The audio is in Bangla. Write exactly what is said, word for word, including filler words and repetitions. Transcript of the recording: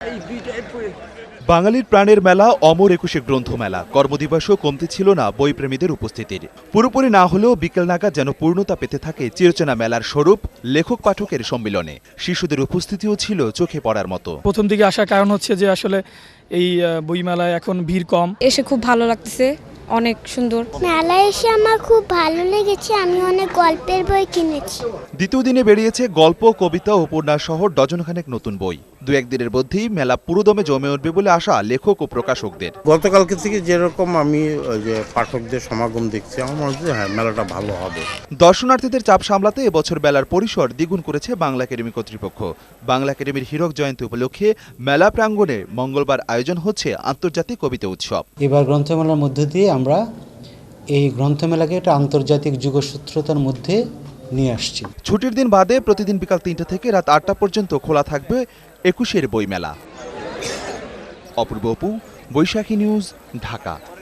বাঙালির প্রাণের মেলা অমর একুশে গ্রন্থমেলা কর্মদিবসও কমতি ছিল না বইপ্রেমীদের উপস্থিতির। পুরোপুরি না হলেও বিকেল নাগাদ যেন পূর্ণতা পেতে থাকে চিরচেনা মেলার স্বরূপ লেখক পাঠকের সম্মিলনে। শিশুদের উপস্থিতিও ছিল চোখে পড়ার মতো। প্রথম দিকে আসার কারণ হচ্ছে যে আসলে এই বইমেলায় এখন ভিড় কম, এসে খুব ভালো লাগতেছে, অনেক সুন্দর। মেলায় এসে আমার খুব ভালো লেগেছে, আমি অনেক গল্পের বই কিনেছি। দ্বিতীয় দিনে বেরিয়েছে গল্প, কবিতা, উপন্যাস সহ ডজনখানেক নতুন বই। দু একদিনের মধ্যেই মেলা পুরোদমে জমে উঠবে বলে আশা লেখক ও প্রকাশকদের। গতকালকে থেকে যেরকম আমি ওই যে পাঠকদের সমাগম দেখছি, আমার মনে হচ্ছে হ্যাঁ মেলাটা ভালো হবে। দর্শনার্থীদের চাপ সামলাতে এবছর মেলার পরিসর দ্বিগুণ করেছে বাংলা একাডেমি কর্তৃপক্ষ। বাংলা একাডেমির হীরক জয়ন্তী উপলক্ষে মেলা প্রাঙ্গণে মঙ্গলবার আয়োজন হচ্ছে আন্তর্জাতিক কবিতা উৎসব। এবার গ্রন্থমেলার মধ্য দিয়ে আমরা এই গ্রন্থমেলাকে একটা আন্তর্জাতিক যুগসূত্রতার মধ্যে নিয়ে আসছি। ছুটির দিন বাদে প্রতিদিন বিকাল তিনটা থেকে রাত আটটা পর্যন্ত খোলা থাকবে একুশের বইমেলা। অপূর্ব অপু, বৈশাখী নিউজ, ঢাকা।